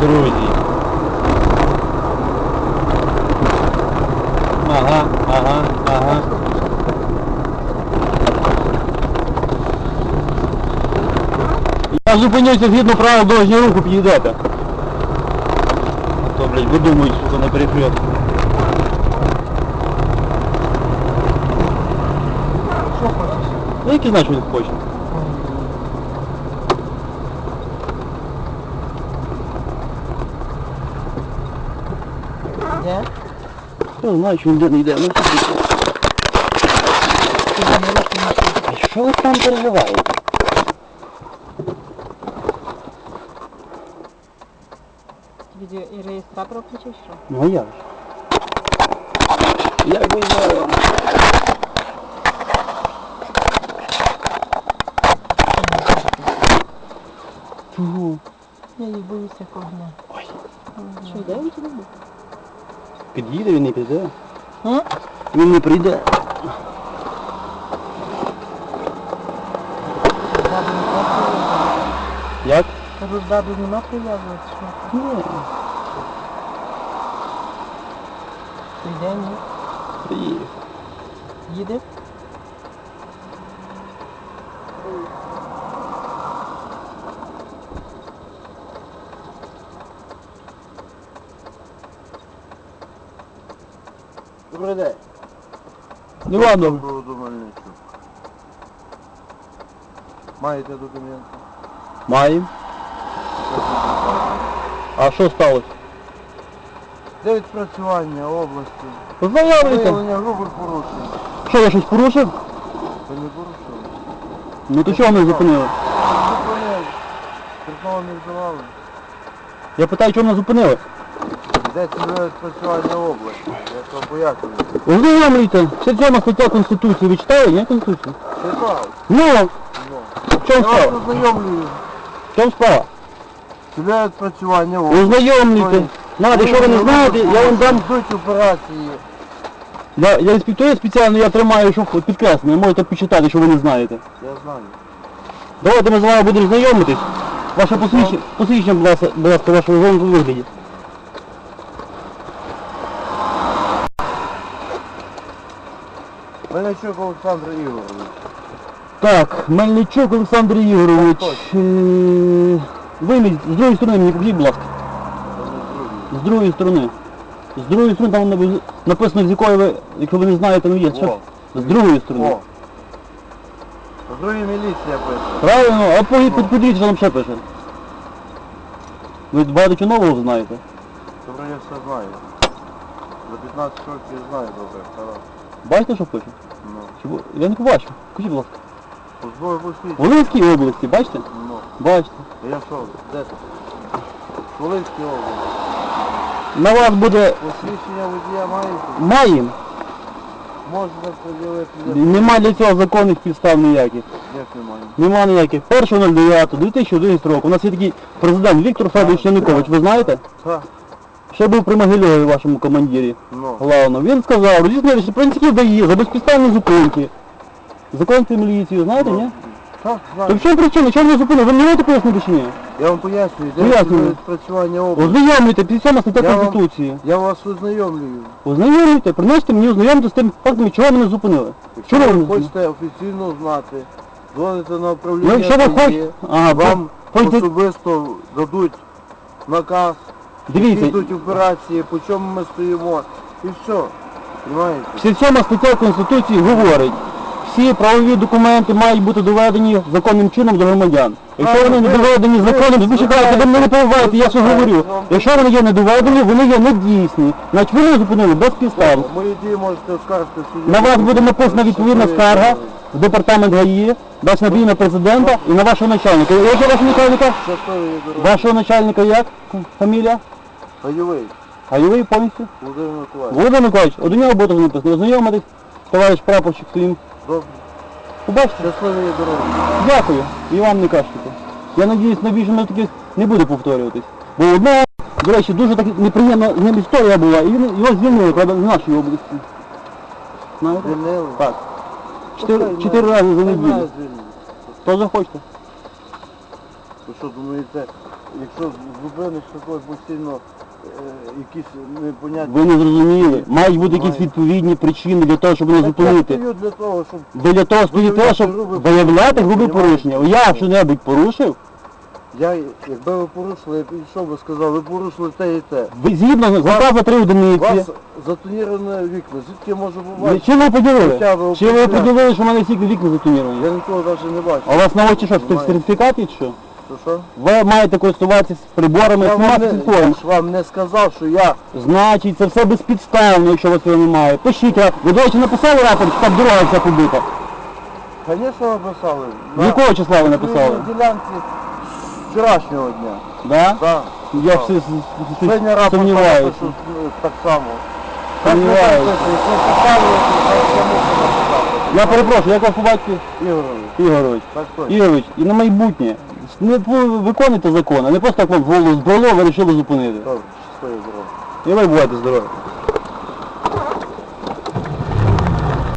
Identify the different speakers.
Speaker 1: дорозі. Ага. Я зупинюся згідно правил дорожнього руху, підійдете. А то, блядь, видумують, сука, на перехрестку.
Speaker 2: Що хочеш?
Speaker 1: Ну, який знаєш, що він хоче.
Speaker 2: Де?
Speaker 1: Я знаю, що він де не йде. Ну, а що ви там переживаєте?
Speaker 2: Відео і реєстратор включив, що?
Speaker 1: Ну, а як же? Як ви знаю? Чого?
Speaker 2: Я їх боюся кого.
Speaker 1: Ой.
Speaker 2: Що, йде він чи не буде?
Speaker 1: Під'їде, він не піде.
Speaker 2: А?
Speaker 1: Він не прийде. Як?
Speaker 2: Кажу, ззаду нема прив'язувати, що?
Speaker 1: Ні.
Speaker 2: Прийде, ні?
Speaker 1: Приїхав.
Speaker 2: Їде?
Speaker 3: Добрий день.
Speaker 1: Ну ладно.
Speaker 3: Мельничук. Маєте документи?
Speaker 1: Маємо. А що сталося?
Speaker 3: Де відпрацювання області?
Speaker 1: Познайомилися.
Speaker 3: Виявлення грубих порушень.
Speaker 1: Що, я щось порушив?
Speaker 3: Ви не порушили?
Speaker 1: Ну то чого мене зупинили?
Speaker 3: Зупинили. Терпного не вживали.
Speaker 1: Я питаю, чого мене зупинили?
Speaker 3: Де цільове відпрацювання області? Я вам пояснюю.
Speaker 1: Ознайомлюйте. 67 стаття Конституції. Ви читали, ні, Конституцію?
Speaker 3: Читав?
Speaker 1: Ну,
Speaker 3: Ну.
Speaker 1: в чому
Speaker 3: Я вас
Speaker 1: справа?
Speaker 3: ознайомлюю.
Speaker 1: В чому справа?
Speaker 3: Цільове відпрацювання області.
Speaker 1: Ознайомлюйте. Знаєте, що ви не знаєте, я вам дам...
Speaker 3: Йдуть операції.
Speaker 1: Я інспектую спеціально, я тримаю, що підкреслено, можете почитати, що ви не знаєте.
Speaker 3: Я знаю.
Speaker 1: Давайте ми з вами будемо знайомитись. Ваше посвідчення, будь ласка, вашого вигляді.
Speaker 3: Мельничук Олександр Ігорович.
Speaker 1: Так, Мельничук Олександр Ігорович.
Speaker 3: Так,
Speaker 1: Ви з другої сторони мені покажіть, будь ласка. З другої сторони. З другої сторони там написано, з якої ви, якщо ви не знаєте, ну є. Що? З другої сторони.
Speaker 3: О. З другої міліція пише.
Speaker 1: Правильно, а подивіться, що там ще пише. Ви багато чого нового знаєте.
Speaker 3: Добре, я все знаю. За 15 років знаю добре, хорошо.
Speaker 1: Бачите, що пише?
Speaker 3: Ну.
Speaker 1: Я не побачив. Скажіть, будь ласка.
Speaker 3: Позбою посвідчення.
Speaker 1: В Волинській області, бачите?
Speaker 3: Ну.
Speaker 1: Бачите.
Speaker 3: Я що? Де ти? Волинській області.
Speaker 1: На вас буде...
Speaker 3: Посвідчення водія маєте?
Speaker 1: Маємо.
Speaker 3: Можете поділити.
Speaker 1: Нема для цього законних підстав ніяких.
Speaker 3: Як немає?
Speaker 1: Нема ніяких. 1.09.2011 року. У нас є такий президент Віктор Федорович Янукович, ви знаєте?
Speaker 3: Так.
Speaker 1: Ще був при Могильові, вашому командирі.
Speaker 3: Ну.
Speaker 1: Главно. Він сказав, роз'яснили, що працівників дає за безпідставні зупинки. Законці міліцію, знаєте, ні?
Speaker 3: Так,
Speaker 1: То
Speaker 3: знаю.
Speaker 1: в чому причина? Чому ви зупинили? Ви не можете пояснити чи ні?
Speaker 3: Я вам пояснюю, де
Speaker 1: Пояснюю.
Speaker 3: відпрацювання області.
Speaker 1: Ознайомлюйте, 57 стаття
Speaker 3: Я вам-
Speaker 1: Конституції.
Speaker 3: Я вас ознайомлюю.
Speaker 1: Ознайомлюйте, приносите мені ознайомити з тим фактом, чого мене зупинили.
Speaker 3: Якщо
Speaker 1: Чого
Speaker 3: ви
Speaker 1: ви
Speaker 3: хочете офіційно знати, дзвоните на
Speaker 1: Ну,
Speaker 3: управління
Speaker 1: якщо ви
Speaker 3: ДАІ,
Speaker 1: хочете... Ага,
Speaker 3: вам
Speaker 1: хочете...
Speaker 3: особисто дадуть наказ,
Speaker 1: Дивіться,
Speaker 3: йдуть операції, по чому ми стоїмо, і все. Понимаєте?
Speaker 1: 67 стаття Конституції говорить, всі правові документи мають бути доведені законним чином до громадян. Якщо вони не доведені законом, ви чекаєте, ви мене не перебиваєте, я що говорю. Якщо вони є недоведені, вони є недійсні. Значить ви не зупинили без підстав.
Speaker 3: Мої дії можете оскаржити в суді.
Speaker 1: На вас буде написана відповідна скарга в департамент ГАІ, дасть набій на президента і на вашого начальника. Як же вашого начальника?
Speaker 3: Щасливої дороги.
Speaker 1: Вашого начальника як? Фамілія?
Speaker 3: Гайовий.
Speaker 1: Гайовий повністю?
Speaker 3: Володимир Миколаївич.
Speaker 1: Володимир Миколаївич, до нього буде написано. Ознайомитись, товариш прапорщик своїм.
Speaker 3: Добре.
Speaker 1: Побачите?
Speaker 3: Щасливої дороги.
Speaker 1: Дякую. І вам не кажете. Я надіюсь, на більше на таких не буде повторюватись. Бо одна, до речі, дуже так неприємна з ним історія була, і його звільнили, правда, в нашій області. Знаєте?
Speaker 3: Звільнили?
Speaker 1: Так. Чотири рази за неділю.
Speaker 3: Звільнили.
Speaker 1: То захочете.
Speaker 3: Ви що думаєте, якщо зупиниш такою постійно якісь непонятні...
Speaker 1: Ви не зрозуміли. Мають бути якісь відповідні причини для того, щоб мене зупинити.
Speaker 3: Я стою для того, щоб...
Speaker 1: Ви для того стоїте, щоб виявляти грубі порушення. Я що-небудь порушив?
Speaker 3: Якби ви порушили, я підійшов би сказав, ви порушили те і те.
Speaker 1: Ви згідно наказ за 3
Speaker 3: У
Speaker 1: одиниці.
Speaker 3: вас затоніроване вікна, звідки я можу побачити?
Speaker 1: Чи ви поділили?
Speaker 3: Хоча б
Speaker 1: Чи ви
Speaker 3: определяти.
Speaker 1: поділили, що в мене всі вікна затоніровані?
Speaker 3: Я нікого навіть не бачу.
Speaker 1: А у вас на очі що,
Speaker 3: Немає.
Speaker 1: сертифікат є чи що?
Speaker 3: Що?
Speaker 1: Ви маєте користуватися приборами
Speaker 3: Я
Speaker 1: смарт
Speaker 3: я
Speaker 1: телефоном.
Speaker 3: ж вам не сказав, що я...
Speaker 1: Значить, це все безпідставно, якщо у вас цього немає. Пишіть, а ви, до речі, написали рапорт, що там дорога вся побита?
Speaker 3: Звісно, написали.
Speaker 1: З якого числа ви написали?
Speaker 3: На ділянці вчорашнього дня.
Speaker 1: Да?
Speaker 3: Так.
Speaker 1: Я все
Speaker 3: Сьогодні рапорт
Speaker 1: сумніваюся.
Speaker 3: напишу так само.
Speaker 1: Сумніваюся.
Speaker 3: Так, якщо поставили, то я можу написати.
Speaker 1: Я перепрошую, як вас по батьку?
Speaker 3: Ігорович,
Speaker 1: Ігорович.
Speaker 3: так точно.
Speaker 1: Ігорович, і на майбутнє. Не виконуйте закон, а не просто так вам в голову збрало, ви вирішили зупинити.
Speaker 3: Добре, щасливо, здорово.
Speaker 1: І ви будете здорові.